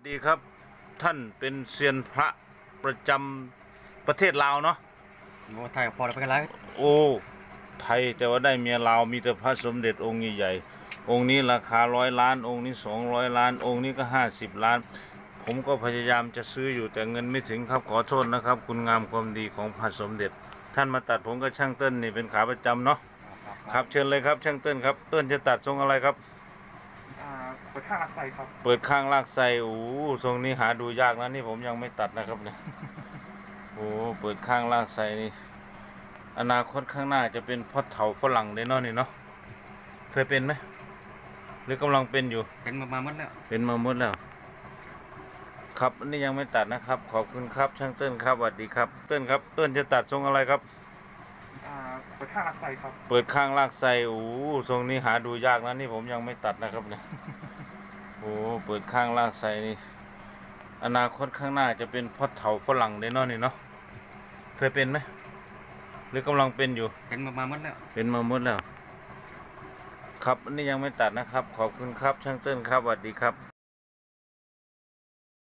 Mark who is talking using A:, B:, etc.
A: ดีครับท่านเป็นเซียนพระประจำประเทศลาวเนาะ
B: โอ้ไทยพอแล้วไปกันไร
A: โอ้ไทยแต่ว่าได้เมียลาวมีแต่พระสมเด็จองค์ใหญ่ๆองค์นี้ราคา100 ล้านองค์นี้200 ล้านองค์นี้ก็50 ล้านผมก็พยายามจะซื้ออยู่แต่เงินไม่ถึงครับขอโทษนะครับคุณงามความดีของพระสมเด็จท่านมาตัดผมก็ช่างเติ้ลนี่เป็นขาประจำเนาะครับเชิญเลยครับช่างเติ้ลครับเติ้ลจะตัดทรงอะไรครับ
C: เปิดข้างลากไส้ครับ
A: เปิดข้างลากไส้โอ้ทรงนี้หาดูยากนะนี่ผมยังไม่ตัดนะครับเนี่ยโอ้เปิดข้างลากไส้นี่อนาคตข้างหน้าจะเป็นพ่อเฒ่าฝรั่งได้เนาะนี่เนาะเคยเป็นไหมหรือกำลังเป็นอยู่
B: เป็นมาหมดแล้ว
A: เป็นมาหมดแล้วครับอันนี้ยังไม่ตัดนะครับขอบคุณครับช่างเติ้ลครับสวัสดีครับเติ้ลครับเติ้ลจะตัดทรงอะไรครับ
C: เปิดข้างลากไส้ครับ
A: เปิดข้างลากไส้โอ้ทรงนี้หาดูยากนะนี่ผมยังไม่ตัดนะครับเนี่ยโอ้เปิดข้างลากไส้นี่อนาคตข้างหน้าจะเป็นพ่อเฒ่าฝรั่งได้เนาะนี่เนาะเคยเป็นไหมหรือกำลังเป็นอยู่
B: เป็นมาหมดแล้ว
A: เป็นมาหมดแล้วครับอันนี้ยังไม่ตัดนะครับขอบคุณครับช่างเติ้ลครับสวัสดีครับ